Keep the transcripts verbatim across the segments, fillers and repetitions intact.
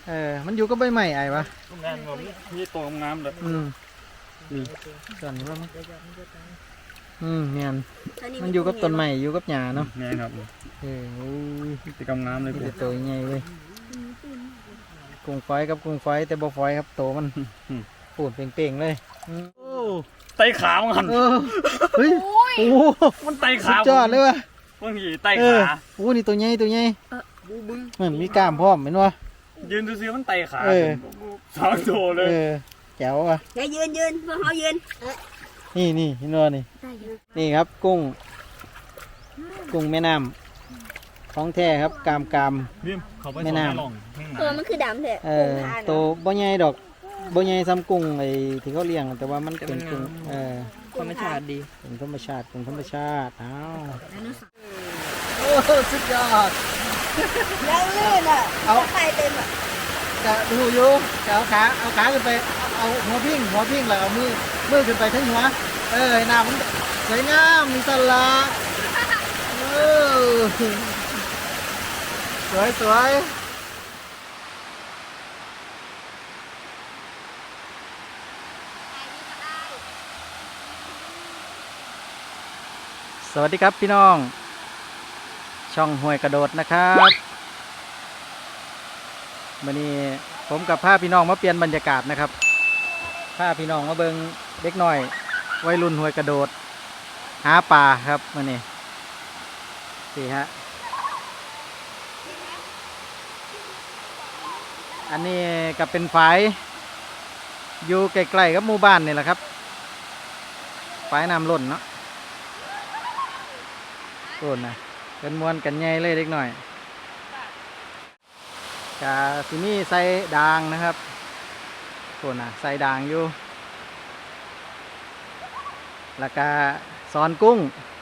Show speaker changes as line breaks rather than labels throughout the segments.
เออมันอยู่กับใบไม้ไอ้ปะ
งานแบบมีตัวงามเลย
อืมนี่ส่วนนี้ว่ามันอืมเงี้ยมันอยู่กับต้นไม้อยู่กับหญ้าเนาะ
นี่ครับ
เออโอ้ย
ติดกำงามเลยกู
ตัวใหญ่เว้ยกุ้งฝอยกับกุ้งฝอยแต่บ่ฝอยครับโตมันปูดเป่งๆเลย
โอ้ไตขามัน
เฮ้ยโอ้
มันไตขา
จอดเลยวะ
บางทีไตขา
โอ้นี่ตัวใหญ่ตัวใหญ่เหมือนมีกล้ามพร้อมเห็นวะ
ยืนดูซิมันไตขาสองโตเลย
แจ๋วอ่ะ
อย่ายืนยืนพวกเขายืน
นี่นี่เห็นวะนี่นี่ครับกุ้งกุ้งแม่น้ำของแท้ครับกามกาม
แม่น้
ำตัวมันคือดำเถอะ
เออตัวบ่ใหญ่ดอกบ่ใหญ่ซ้ำกุ้งไอ้ที่เขาเลี้ยงแต่ว่ามันเป็นกุ้งเออ
ธรรมชาติดี
เป็นธรรมชาติเป็นธรรมชาติอ้าวโอ้สุดยอด
แล้วลื่นอ่ะเอาไปเต็มอ่ะ
จะดูอยู่จะเอาขาเอาขาขึ้นไปเอาหัวพิ้งหัวพิ้งแล้วเอามือมือขึ้นไปทั้งหัวเออหน้ามันสวยงามมีสละเออสวยสวยสวัสดีครับพี่น้องช่องห้วยกระโดดนะครับวันนี้ผมกับพาพี่น้องมาเปลี่ยนบรรยากาศนะครับพาพี่น้องมาเบิงเด็กน้อยวัยรุ่นห้วยกระโดดหาปลาครับวันนี้สี่ฮะอันนี้ก็เป็นฝายอยู่ใกล้ๆกับหมู่บ้านนี่แหละครับฝายน้ำล้นเนาะโอนนะเป็นมวนกันใหญ่เลยเล็กหน่อยกาที่นี่ใส่ด่างนะครับโอนนะใส่ด่างอยู่แล้วก็ซอนกุ้ง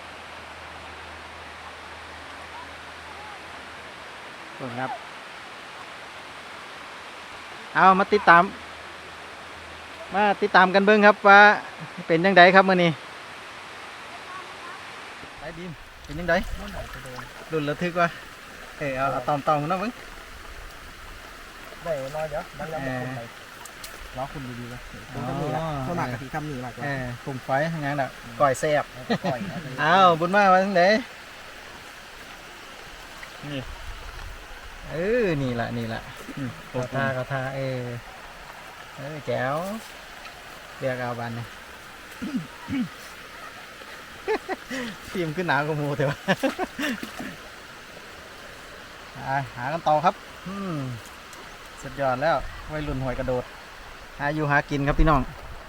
โอนครับเอามาติดตามมาติดตามกันเบิ้งครับว่าเป็นยังไงครับมื่อนี้ไปดิมเป็นยังไงดุนระทึกวะเออเอาตอมตอมนะมึง
ได้รอเยอะมันแล้วมันไปล้อคุณดีๆเลยคุณก็มีละสมัครกะทิทำหนีมากกว่า
เออกลุ่มไฟงานแบบก่อยแซ่บอ้าวบุญมาวันไหน
นี่
เออนี่แหละนี่แหละกระทากระทาเออเออแจ๋วเรียกเอาบันเนี่ยทีมขึ้นหนาวกับมูเถอะหากันต่อครับสุดยอดแล้ววัยรุ่นหอยกระโดดหาอยู่หากินครับพี่น้อง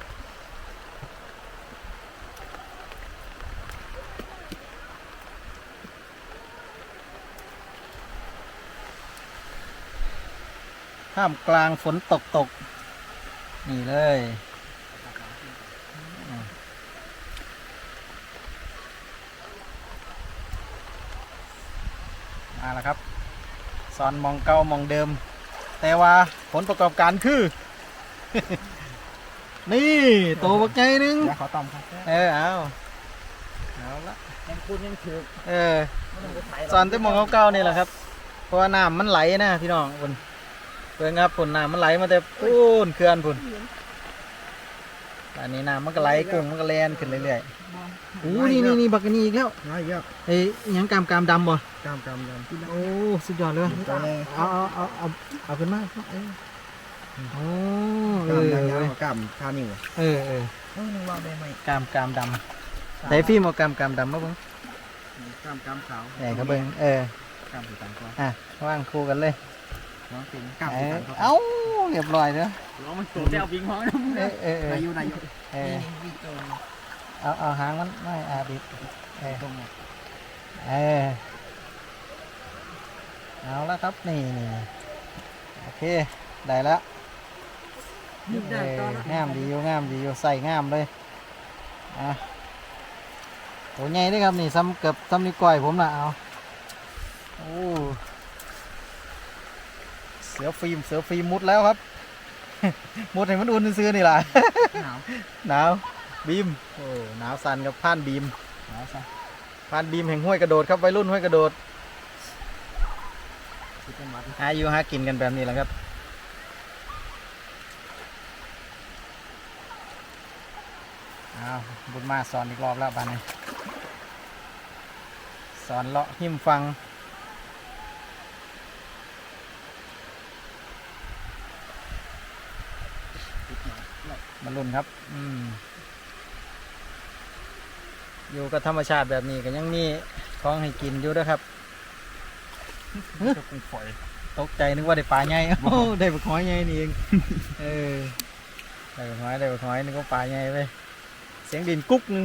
ท่ามกลางฝนตกตกนี่เลยมาแล้วครับสอนมองเก่ามองเดิมแต่ว่าผลประกอบการคือ นี่โตบักใหญ่นึง
ขอตอมครับ
เออเอาเอาละ
ยังพูดยังถือ
เออสอนแต่มองเก่าๆนี่แหละครับเพราะว่าน้ำมันไหลนะพี่น้องบนเพื่อนครับฝนน้ำมันไหลมาแต่ปูนเขื่อนฝุ่นอันนี้น้ำมันก็ไหลกุ้งมันก็แล่นขึ้นเรื่อยๆโอ้นี่นี่นี่บักนี่อีกแล้ว
น้อยเยอะ
ไอ้ยังกามกามดำบ่
กามกามดำ
โอ้สุดยอดเลยเอาเอาเอาเอาเอาขึ้นมาโอ้เอ
อกามคานิ่ว
เออเออ
เออนึกว่าได้ไหม
กามกามดำแต่ฟิล์มเอากามกามดำมาเบิ้ง
กามกามขาว
ไหนเขาเบิ้งเออก
ามสีต่างกัน
อ่ะว่างคู่กันเลย
น้องเป็นกามสีต่างกัน
เอ้าเรียบร้อยเนาะ
น้องมันโตแก้ววิ่งห้องนะ
เออเออเออ
อายุอายุ
เออเอาเอาหางมันไม่อาบิดเออตรงนี้เออเอาแล้วครับนี่นี่โอเคได้แล้วงามดีอยู่งามดีอยู่ใส่งามเลยอ่ะโหใหญ่ด้วยครับนี่ซ้ำเกือบซ้ำนิ้วก้อยผมนะเอาโอ้เสือฟิล์มเสือฟิล์มมุดแล้วครับ มุดให้มันอุ่นซื้อนี่แหละหนาวหนาวบีมโอ้หนาวสั่นกับผ่านบีมหนาวสั่นผ่านบีมแห่งห้วยกระโดดครับวัยรุ่นห้วยกระโดดหาอยู่หากินกันแบบนี้แหละครับเอาบุญมาสอนอีกรอบแล้วบ้านนี้สอนเลาะหิมฟังมาลุ้นครับอืมอยู่กับธรรมชาติแบบนี้ก็ยังมีของให้กินอยู่ด้วยครับ
จะกุ้งฝอย
ตกใจนึกว่าได้ปลาใหญ่ โอ้ได้ปลาหอยใหญ่นี่เองเออได้ปลาหอยได้ปลาหอยนึกว่าปลาใหญ่ไปเสียงดินกุ๊กนึง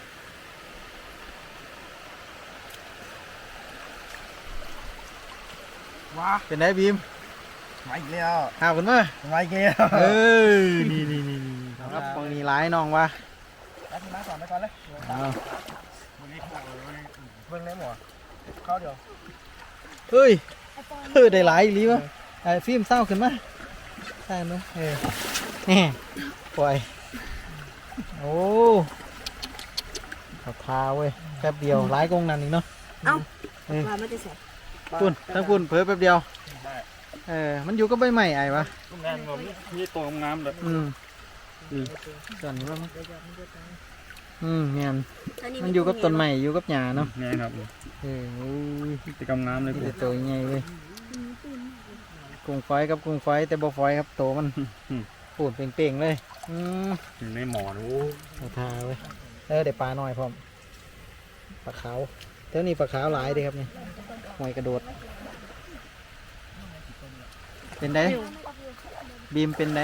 ว้า
เป็นไงบีม
มาอีกแล้ว
หาคุณมา
มาอีกแล้ว
เออนี่นี่นี่นี่ครับบางนี้ร้ายน้องวะ
แล้วมาสอนไปก่อนเลย
เอา
วันนี้เขาเลย
เบิ่งได้หมดเข้าเดี๋ยว
เฮ้ยเออได้หลายอีหลีวะไอ้ฟิล์มเศร้าขึ้นมาใช่ไหมเออนี่ปล่อยโอ้ขาวทาเว้ยแป๊บเดียวหลายกงนั่นอีกเนาะ
เอ้า
เออ
ว่ามันจะเสร็จ
คุณทั้งคุณเผลอแป๊บเดียวเออมันอยู่ก็ใบใหม่ไอ้วะ
กุ้งแดงผมนี่ตัวงามเลย
อืมอืมส่วนนี้ว่ามันอืมเนี่ยมันอยู่กับต้นใหม่อยู่กับหญ้าเนาะ
นี่ครับ
เออโอ้ย
กิจกรรมงามเลย
มี
กู
แต่ตัวใหญ่เว้ยกุ้งฝอยกับกุ้งฝอยแต่บ่ฝอยครับโตมันปูดเป่งๆเลยอืม
อยู่ในหมอนโอ้
เอาทาเว้ยเออเดี๋ยวปลาหน่อยพร้อมปลาขาวเท่านี้ปลาขาวหลายเด้ครับนี่หอยกระโดดเป็นไงบีมเป็นไง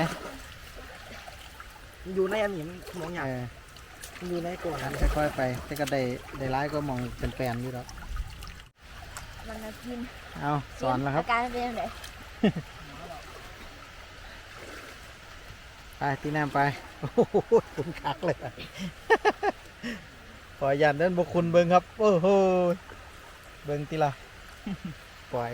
อยู่ในอันนี้มันมองอ
เอย่าง อ
มันอยู่ในกล่องนั้น
ค่อยๆไปแต่ก็ได้ได้ร้ายก็มองเป็นแปลนอยู่แล้ว
มันจะกิน
เอาสอนแล้วครับ
อาการเป็นยังไง
ไปตีน้ำไปโอ้โหคุณคักเลย ขอยันเดินบุคุณเบิ้งครับโอ้โหเบิ้งตีละปล่อย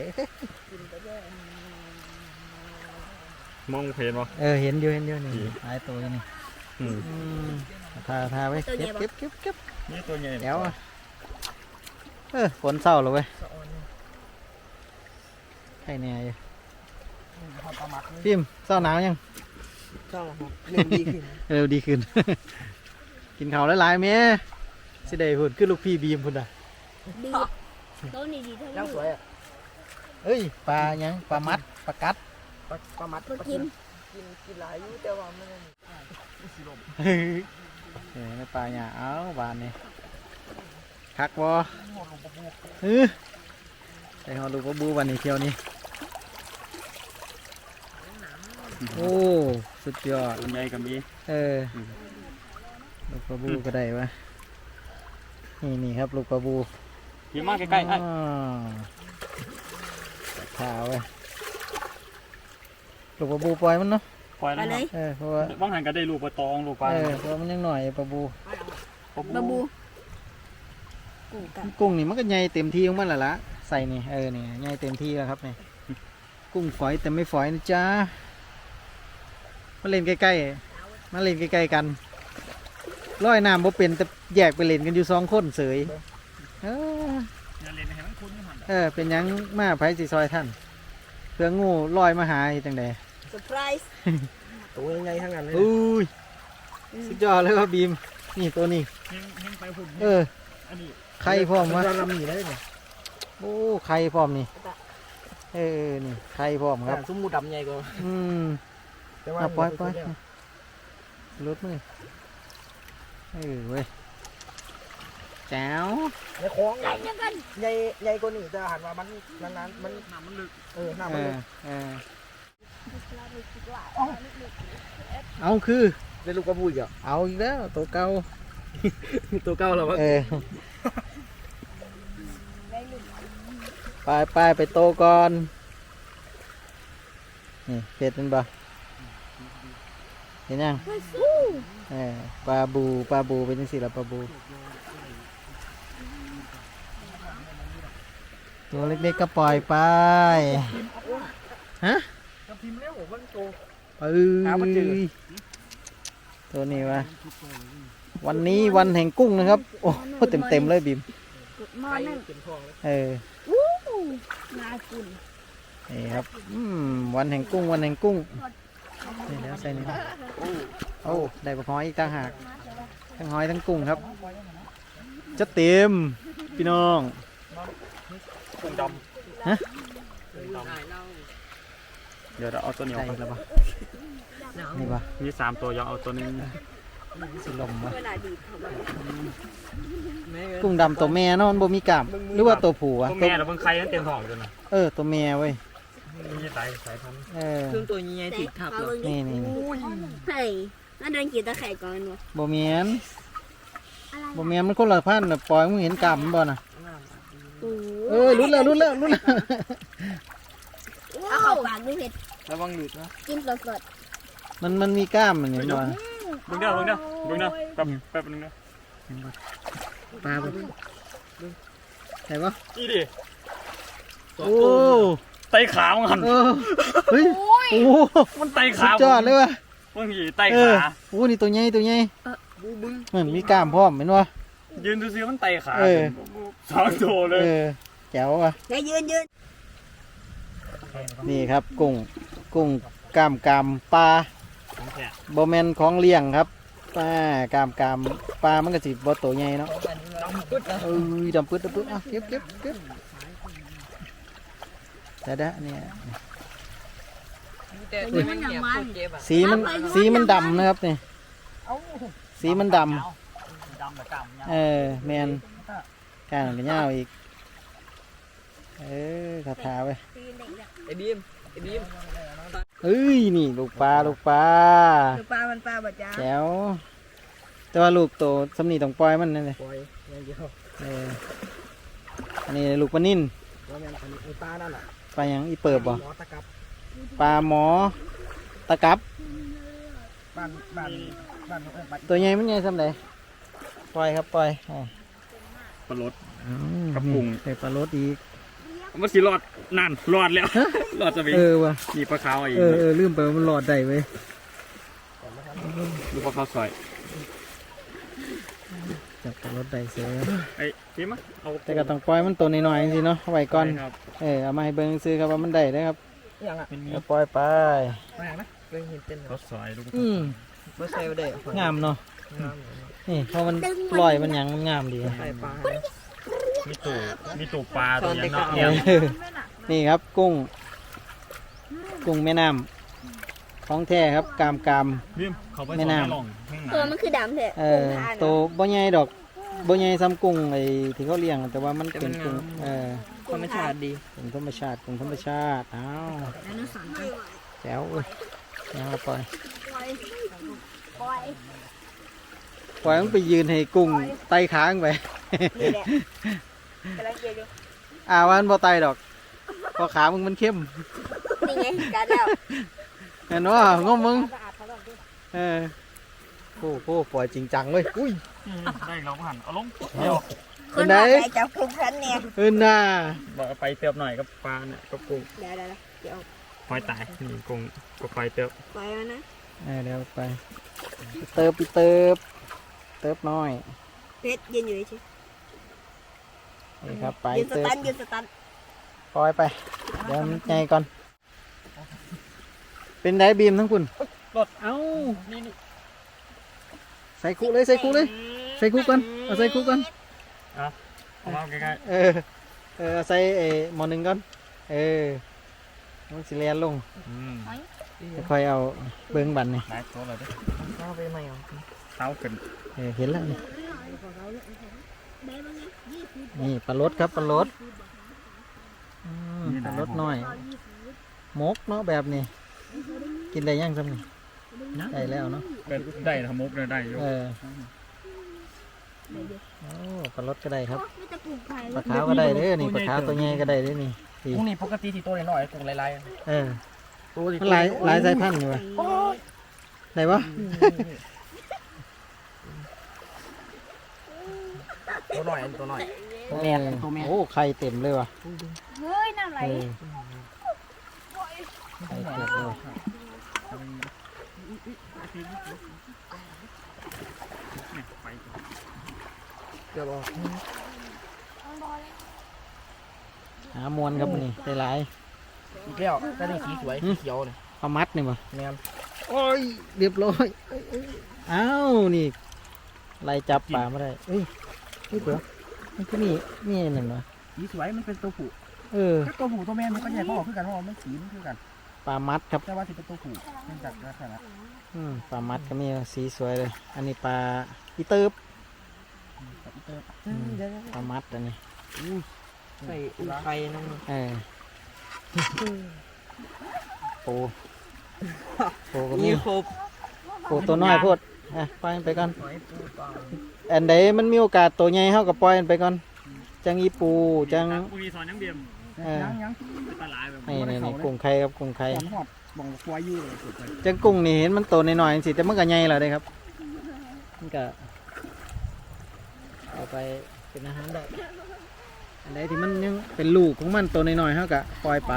มองเพลนวะ
เออเห็นอยู่เห็นอยู่นี่หลายตัวอยู่นี่
อืม
อืมทาทาไว้เก็บเก็บเก็บเก็บ
นี่ตัวใหญ่
แถวอ่ะเออฝนเศร้าเลยเว้ยใครเนี่ยอยู่
พอประมาท
พิมพ์เศร้าหนาวยัง
เจ้าครับเรื่องดีขึ้น
เร็วดีขึ้น กินข้าวหลายๆเมียสิได้หุ่นขึ้นลูกพี่บีมพุ่นอ่ะ
ดีต้นนี้ดีเท่า
ยัง
นี้
สวยอ่ะ
เอ้ยปลายังปลามัดปลากัด
ประมาท
มากิน
กินกินหลายอยู่แต่ว่ามัน
เฮ้ยเออในปลาเนี่ยเอาบานนี่คักบ่เออใส่หอลูกปลาบูวันนี้เที่ยวนี้โอ้สุดยอด
ตัวใหญ่กับมี
เออลูกปลาบูก็ได้วะนี่นี่ครับลูกปลาบู
ขี่มาใกล้ๆไอ้
อ๋อขาวเว้ยลูกปลาบูปล่อยมันเนาะ
ปล่อย
ไป
แล้ว
เลย
เออเพราะว่า
บางหันก็ได้ลูกปลาตองลูกปลา
เออเพราะว่ามันยังหน่อยปลาบู
บาบูกูกับ
กุ้งนี่มันก็ใหญ่เต็มที่ของมันแหละละใส่นี่เออนี่ใหญ่เต็มที่แล้วครับนี่กุ้งฝอยแต่ไม่ฝอยนะจ๊ะมาเล่นใกล้ๆมาเล่นใกล้ๆกันร้อยน้ำบ่เป็นแต่แยกไปเล่นกันอยู่สองคนเสยเออ
อย่าเล่นให้มันคุ้นให้มัน
เออเป็นหยังมาไผสิซอยท่านเพื่องูลอยมาหาอีจังใด
เซอร์ไพรส์
ตัวใหญ่ทั้งนั้นเลย
อุ้ยสุดยอดเลยว่าบีมนี่ตัวนี้
เฮงเฮงไปหุ่น
เออ
อันนี้
ไข่พร้อมวะ
เราลำหนีได้เนี่ย
โอ้ไข่พร้อมนี่เออนี่ไข่พร้อมครับ
ซุ้มมูดำใหญ่กว่า
อืม
แต่ว่า
เอาปล่อยปล่อยรถมือเออเว้ยแจ๋ว
ในคลอง
ใหญ่ยังกัน
ใหญ่ใหญ่กว่านี่แต่หันว่ามันนานๆมัน
น้ำมันลึก
เออหน้า
เอ
มัน
อ
ลึก
เออเอาคือ
ได้ลูกกระบุยอ่ะ
เอาอีกแล้วตัวเก่า
ตัวเก่าแล้วมั้ง
เออไปไปไปโตก่อนนี่เผ็ดมันบ่เห็นยังเออปลาบูปลาบูเป็นยังสิละปลาบูตัวเล็กๆก็ปล่อยไปฮะ
กระพิมพ์เร็วมันโต
เอ้ยตัวนี้วะวันนี้วันแห่งกุ้งนะครับโอ้เต็มเต็มๆเลยบิม
กุดมอ
ไข่
นั่น
เต็มท้องเลย
เออ
วู้น่ากิน
นี่ครับอืมวันแห่งกุ้งวันแห่งกุ้งนี่แล้วใส่นี่นะโอ้ได้ปลาหอยอีกต่างหากทั้งหอยทั้งกุ้งครับจะเต็มพี่น้อง
กุ้งด
ฮะ
ำกุ้งดำเดี๋ยวเราเอาตัวเหนียว
ใช่
ก่อน
แล้วปะนี่ปะ
มีสามตัวยังเอาตัวนึง
สิลมปะ
เวลาดีบเขามา
กุ้งดำตัวแม่เนาะมันบ่มีกล้ามหรือว่าตัวผู้อะ
ตัวแม่เราเพิ่งไข่มันเต็มท้องอยู่นะ
เออตัวแม่เว้ย
นี่สายสายพันธุ์
เออ
เครื่องตัวใหญ่ๆติดทับเลย
นี่นี่
ไข่น่าเดินกินตะไคร่ก่อนวะ
บ่แม่นบ่แม่นมันคนละพันธุ์น่ะปล่อยมึงเห็นกล้ามมันบ่น่ะ
โอ้
เออรุดแล้วรุดแล้วรุดแล้ว
เอาเข้าปากดูเห็ด
ระวังหลุดนะ
กินสด
มันมันมีกล้ามมันเห็นบ่
เบิ่งเด้อเบิ่งเด้อเบิ่งเด้อแป๊บแป๊บนึงเด้อ
ปลาบ่ใช่ปะ
นี่ดิ
โอ้
ไต่ขามันหัน
เออเฮ้ยโอ้
มันไต่
สุ
ขา
ดยอดเลยว่ะ
บางทีไต่
เออ
ขา
โอ้นี่ตัวใหญ่ตัวใหญ่
บูบึ้ง
เหมือนมีกล้ามพร้อมเห็นบ่
ยืนดูซิมันไต่ขา
เออ
สองตัวเลย
เออแจ๋วว่ะ
ๆอย่ายืนยืน
นี่ครับกุ้งกุ้งกล้ามกรามปลา
ของแท้
บ่แม่นของเลี้ยงครับปลากล้ามกรามปลามันก็สิบ่ตัวใหญ่เนาะ
ดำปึ๊ดนะ
เอ้ยดำปึ๊ดดำปึ๊ดอ่ะเก็บเก็บเก็บแต่เด้อเนี่ย
แต่ตัวมันเนี่ยพูดเจ็บอ่ะ
สีมันสีมันดำนะครับนี่สีมันดำ
ดำแบบกำ
เออแมนการกันยาวอีกเออคาถาไป
ไอ้บีมไอ้บีม
เอ้ยนี่ลูกปลาลูกปลา
ดูปลามันปลาบ่จ้า
แจ๋วแต่ว่าลูกโตสำนีต้องปล่อยมันนั่นเลย
ปล่อยอย่างเดียว
เอออันนี้ลูกปลานิ่น
ว่าแม่นอันนี้ไอ้ปลานั่นแหละ
ปลาหยังอีเปิบบ่
หมอตะกับ
ปลาหมอตะกับ
บ้านบ้านบ้านเออบ้าน
ตัวใหญ่มันใหญ่สำไหนปล่อยครับปล่อยอ๋อ
ปลาลด
อืม
กระปุก
ใส่ปลารสอีก
มันสิรอดนั่นรอดแล้ว รอดจะไป
เออว่ะ
มีปลาขาวอีก
เออเออลืมไปว่ามันหลอดได้เว้ย
ดูปลาขาวสวย
จับปลารสได้เสีย
ไอ้พี่มะเอา
แต่ก็ต้องปล่อยมันตัวน้อยๆสิเนาะไว้ก่อน
ครับ
เออเอามาให้เบิ่งซื้อครับว่ามันได้เด้อครับ
อย่างอ่ะ
เป็นมี
เดี๋ยวปล่อยไป
แม่นะเพิ่งเห็นเต้น
รสสวยดู
อืม
เมื่อใส่ไปได้
งามเนาะนี่เพราะมันปล่อยมันหยังมันงามดี
ใส่ปลา
มีตู่มีตู่ปลาตัวนี้เนาะ
เอ
เนี่ย
อนี่ครับกุ้ง กุ้งแม่น้ำของแท้ครับกามกาม
พี่เขาไป
แม่
สอน
น้ำ
ให้ลองข้างห
ตัว
น้า
มันคือดำแท้
เออโตบ่ใหญ่ดอกบ่ใหญ่ซ้ำกุ้งไอ้ที่เขาเลี้ยงแต่ว่ามันเป็นกุ้งเออ
ธรรมชาติดี
กุ้งธรรมชาติกุ้งธรรมชาติอ้าว
แล้วนั่นสั่งไป
แจ๋วเอ้ยยังเอาปล่อย
ปล่อยปล่อย
ปล่อยมันไปยืนให้กุ้งไต่ค้างไป
นี่แหละกำลังเกี่ยวอยู่
อ่าว่ามันบ่ไต่ดอกเพอขามึงมันเข้ม
นี่ไงการแล้ว
เห็นว่างมมึง
สะอาดเขาหรอกดิ
เออโอ้โหปล่อยจริงจังเลยอุ้ย
ได้เราหันเอาลงเดี๋ยว
คนมาใส่จับกุ้งคันเนี่ย
เออน่า
บอกเอาไปเติบหน่อยกับปลาเนี่ยกับกุ้ง
เดี๋ยวเดี๋ยวเดี๋ยว
หอยตายนี่กุ้งก็ไปเติบ
ปล่อยมันนะ
เออเดี๋ยวไปเติบไปเติบเติบน้อย
เพชรยืนอยู่เฉย
นี่ครับไป
ยืนส
เติบ
ตันยืนสตัน
ปล่อยไปเดี๋ยวมันใหญ่ก่อน เป็นไดบีมทั้งคุณรถเอ้าใส่คุเลยใส่คุเลย ใส่คุก่อนเอาใส่คุก่อน
เอามาใกล้
เออเออเอาใส่เออหมอหนึ่งก่อนเออมันสิเลียนลง
ๆอืม
ค่อยเอาเบิ้งบันนี่
หลายตัวเลยเด้อ
เข้าไปใหม่เหรอ
เท้าขึ้น
เออเห็นแล้วนี่นี่ปลารสครับปลารสอืมปลารสน้อยมกเนาะแบบนี้กินได้ยังซ้ำนี่ได้แล้วเนาะ
เป็นได้ทำมุกเลยได้อยู่
เออโอ้ปลารสก็ได้ครับ
ไม่จะปลูกไผ่
ปลาขาวก็ได้เด้อนี่ปลาขาวตัวใหญ่ก็ได้เด้อนี่ดี
กุ้งนี่ปกติที่ตัวน้อยๆกุ้งลาย
เออ
ๆตัวที่
มันหลายหลายสายพันธุ์อยู่วะไหนวะ
ตัวน้อยอันตัวน้อย
เออโอ้ไข่เต็มเลยว่ะ
เฮ้ยน้ำไหล
เออไข่เต็มเลย
ไป
เกือบออก
หามวนครับนี่ได้หลาย
อีกแล้วก็ได้สีสวยสีเขียวเลย
เอามัดนี่บ่
แม่น
โอ้ยเรียบร้อยเอ้ยเอ้ยอ้าวนี่ไล่จับปลาไม่ได้เอ้ยนี่เดี๋ยวมันก็มีมีอันหนึ่งวะ
สีสวยมันเป็นตัวผู้
เออ
ถ้าตัวผู้ตัวแม่มันก็แยกออกคือกันเพราะว่ามันสีมันคือกัน
ปลามัดครับ
แต่ว่าที่เป็นตัวผู้เนื่องจากลักษณะ
อืมปลามัดก็มีสีสวยเลย อันนี้ปลาอีเติบ
กับอีเตอร์
อืมปลามัดอันนี้
ใส่อุ้งไข่นั่น
เออปูปูก็มีปูตัวน้อยโพดอ่ะปล่อยมันไปก่อนอันใดมันมีโอกาสตัวใหญ่เฮาก็ปล่อยมันไปก่อนจังอีปูจัง
กูมีสอนยังเบียม
เออ
ยังยัง
ตลาดแบบ
นี่นี่นี่กุ้งไข่ครับกุ้งไข่
หอมหอดบ่งควายอยู่เลยสุดเลย
จังกุ้งนี่เห็นมันโตหน่อยๆสิแต่มันก็ใหญ่แล้วเด้ครับมันก็เอาไปเป็นอาหารได้อันใดที่มันยังเป็นลูกของมันโตหน่อยๆเฮาก็ปล่อยไป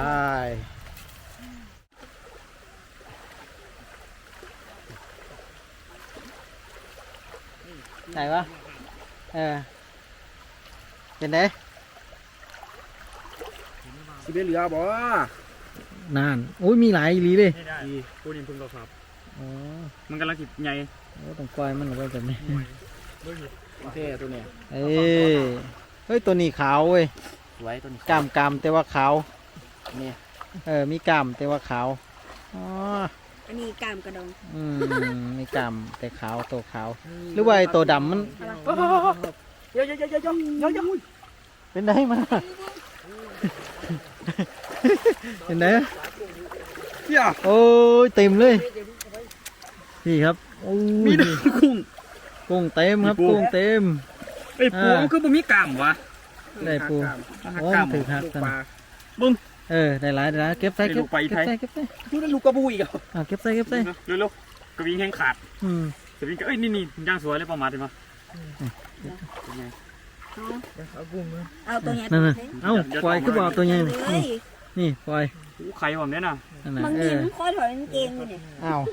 ไหนวะเออเป็นไง
สิเป็นเหลือบ่
นานโอ้ยมีหลายอีหลีเลย
ไม่ได้กูนี่พึ่งเราครับ
อ๋อ
มันกำลังจิบใหญ่
โอ้ต้องปล่อยมันออกไปแบบนี้
โอเคตัวเนี้ย
เอ้ยเฮ้ยตัวนี้ขาวเว้ย
สวยตัวนี้
กล้ามกล้ามแต่ว่าขาว
เนี่ย
เออมีกล้ามแต่ว่าขาวอ๋อ
อันนี้กล้ามกระดอง
อืมมีกล้ามแต่ขาวตัวขาว หรือว่าไอ้ตัวดำมัน
เยอะเยอะเยอะเยอะเยอะเยอะเยอะ
เป็นไงมา เป็นไง
เยอะ
โอ้ยเต็มเลยนี่ครับโอ้ย
มีแต่กุ้ง
กุ้งเต็มครับ
มีปู
กุ้งเต็ม
ไอ้ปู
อ่า
มันคือบ่มีกล้ามวะ
ได้ปู
มันหัก
โอ้
กล้าม
มันถือหัก
ลูก
กัน
ปลา
เออได้หลายได้หลายเก็บใส่
ได้
เก็
ลู
บ
กปลาอี
เก็
ไท
บ
ย
ใส่เก็บใส่
ดูนั่นลูกกระบุยอีกอ่ะ
อ่าเก็บใส่เก็บใส่
เร็วๆกระวิ่งแห้งขาด
อืม
กระวิ่งก็เอ้ยนี่นี่ย่างสวยเลยประมาณนี้มั้ย
เอาตัวเนี้ย
นั่นน่ะเอ้าปล่อยคือบอกตัวใหญ่
เล
นี่
ย
นี่ปล่อย
อู้ไข่ผมเนี่ยนะ
นั่นน่ะ
บาง
เอ
ที
อ
มันคอยถอยกางเกงอยู่เนี่ย
อ้าว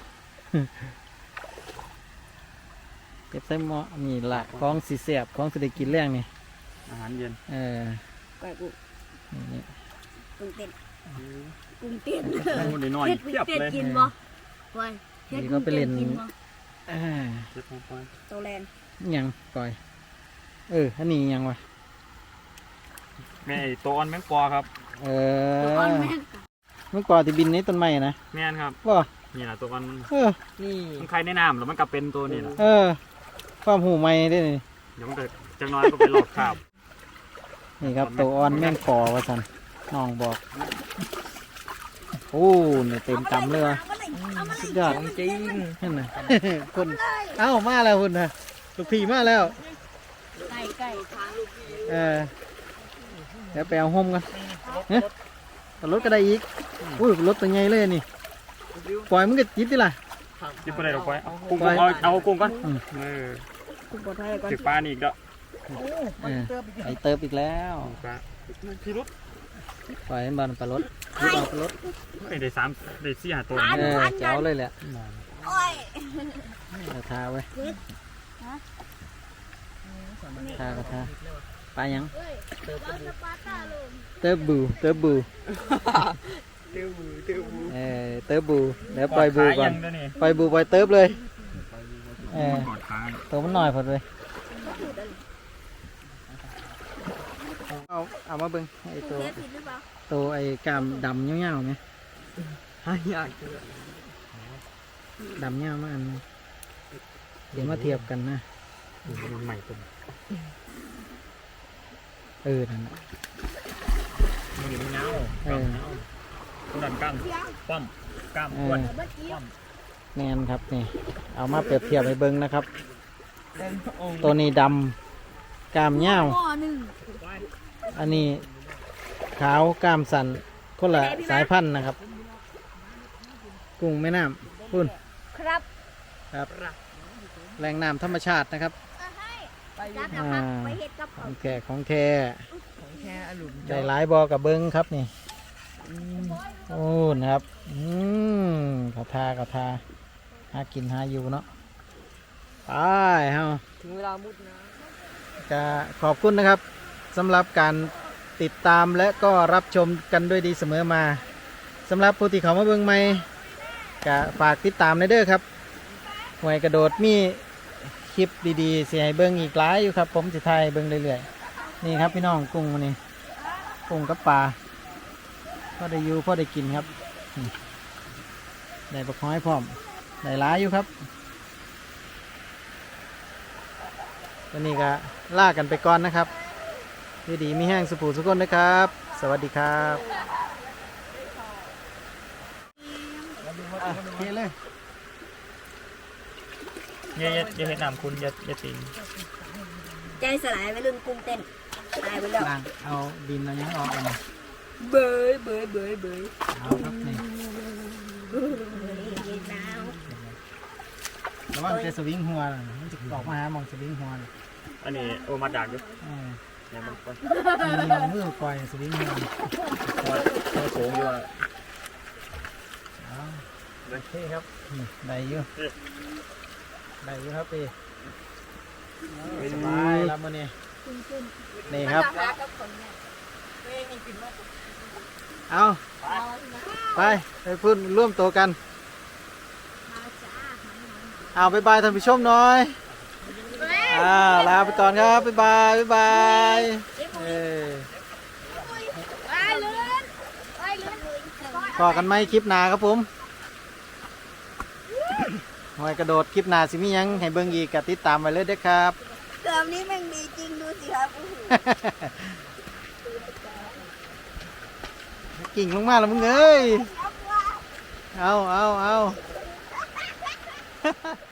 เก็บใส่หม้อนี่ละของสีเสียบของสิได้กินแรงนี่
อาหารเย็น
เออ
ก่อยกู
นี่
กุ้งเต้นกุ้งเต้น
มันน้อยๆเทียบ
เต้น
เลย
กินบ่ไว้เฮ็ดกุ้งเต้นกินบ่
อ่า
เทียบลงไป
โตแลนด์
อิหยังปล่อยเอออันนี้อิหยังวะ
แม่ไอ้ตัวอ่อนแมงปอครับ
เอ
ตัว
อ
อ่อนแม่ง
เมื่อก่อนที่บินในต้นไม้นะ
แม่นครับ
ว่า
นี่แหละตัวอ่อนมัน
เออ
นี่
มันไข่ในน้ำแล้วมันกลับเป็นตัวนี่แหละ
เออความหูไม่ได้นี่
เดี๋ยวมันเกิดจังน้อยก็ไปหลอกข่าว
นี่ครับตัวอ่อนแม่งคอว่าสันน้องบอกโอ้เนี่ยเต็มกำเลยว่ะ
เอามาเลยเอามาเลย
สุดยอด
จริง
นั่นน่ะ คนเอ้ามาแล้วคุณนะลูกพี่มาแล้ว
ไก่ไก่ทางลูกพี่
เออเดี๋ยวไปเอาห่มกันเนี่ยรถก็ได้อีกอุ้ยรถตัวใหญ่เลยนี่ปล่อยมันก็จิตดิล่ะ
ยิบไปไหนลงไปเอากุ้งกุ้งเอาเอากุ้งก่อน
อืม
เออ
กุ้งปลอดภัยก่อน
ถึกปลานี่อีกแล้ว
เออไอเติบอีกแล้ว
ปลาพี่รุด
ปล่อยมันบอลปลารถปลาปลารถ
เอ้ยได้สามได้สี่ห้าตัว
เออเจ้าเลยแหละ
โอ้ย
เอาทาไว้ทากระทาปลายังเติบบูเติบบู
เตี้ยวมือเตี้ยวมือ
เออเติบบูเดี๋ยวปล่อยบูก่อน
ขายยังด้วยนี่
ปล่อยบูปล่อยเติบเลยเออก
อดขา
ตัวมันหน่อยพอเลยเอาเอามาเบิ้งไอตัว
เทผิดหรือเปล่า
ตัวไอกามดำเงี้ยวๆไหม
หายาก
ดำเงี้ยวมาอันนึงเดี๋ยวมาเทียบกันนะ
ใหม่ตัว
เออนั่นน่ะ
มันอยู่เงา
เออ
ตัวดันกั้งปั้มกล้าม
เอ
อ้วน
อ
เมื่อกี้
แมนครับนี่เอามาเปรียบเทียบให้เบิ้งนะครับ
เป็นพระองค์
ตัวนี้ดำกามเงี้ยว
หม้อหนึ่ง
อันนี้ขาวกล้ามสันคนละสายพันธุ์นะครับ กุ้งแม่น้ำพุ่น
ครับ
ครับแหล่งน้ำธรรมชาตินะครับ
จับนะครับไปเฮ็ดกับ
ของแท้ของแท้
ของแค่อารมณ์
ได้หลายบอกับเบิ้งครับนี่โอ้นะครับอืมกระทากระทาหากินหาอยู่เนาะไปเฮา
ถึงเวลามุดนะ
จะขอบคุณนะครับสำหรับการติดตามและก็รับชมกันด้วยดีเสมอมาสำหรับผู้ที่เขามาเบิ่งใหม่ก็ฝากติดตามในเด้อครับหวยกระโดดมีคคลิปดีๆสิให้เบิ่งอีกหลายอยู่ครับ ผมสิถ่ายให้เบิ่งเรื่อยๆนี่ครับพี่น้องกุ้งมื้อนี้กุ้งกับปลาพอได้อยู่พอได้กินครับอืมได้บักฮ้อยพร้อมได้หลายอยู่ครับวันนี้ก็ลากันไปก่อนนะครับอยู่ดีมีแห้งสุภูสุกนนะครับ สวัสดีครับอ่ะโอเคเลย
อย่าอย่าอย่าเห็นน้ำคุณอย่าอย่าติง
ใจสลายไปรุ่นกุ้งเต้นตายไปแล้ว
ล้างเอาดินเอาหยังออกเอามา
เบยเบยเบยเบย
เอาครับนี่
หนาว
ระวังจะสวิงหัวน่ะมันจะออกมาหาหมองสวิงหัวน่ะ
อันนี้โอมาดักอยู่
เออ
เนี่ยมันก็
มีเอามือปล่อยสวิงหัวน่ะ
ว่าตัวสูงอยู่อะ
เอาโอเคครับนี่ได้อยู่ได้อยู่ครับพี่สบายแล้วมื้อนี้นี่ครับ เอาไปไปพูดร่วมตัวกัน เอาบ๊ายบายท่านผู้ชมหน่อยอ่าลาไปก่อนครับบ๊ายบายบ๊ายบายเออพอกันไหมคลิปหน้าครับผมหอยกระโดดคลิปหน้าสิมีหยังให้เบิ่งอีกก็ติดตามไว้เลยเด้อครับ
เกมนี้แม่งดีจริงดูสิครับโอ้โห
กิ่งลงมาแล้วมึงเอ้ยเอาเอาเอา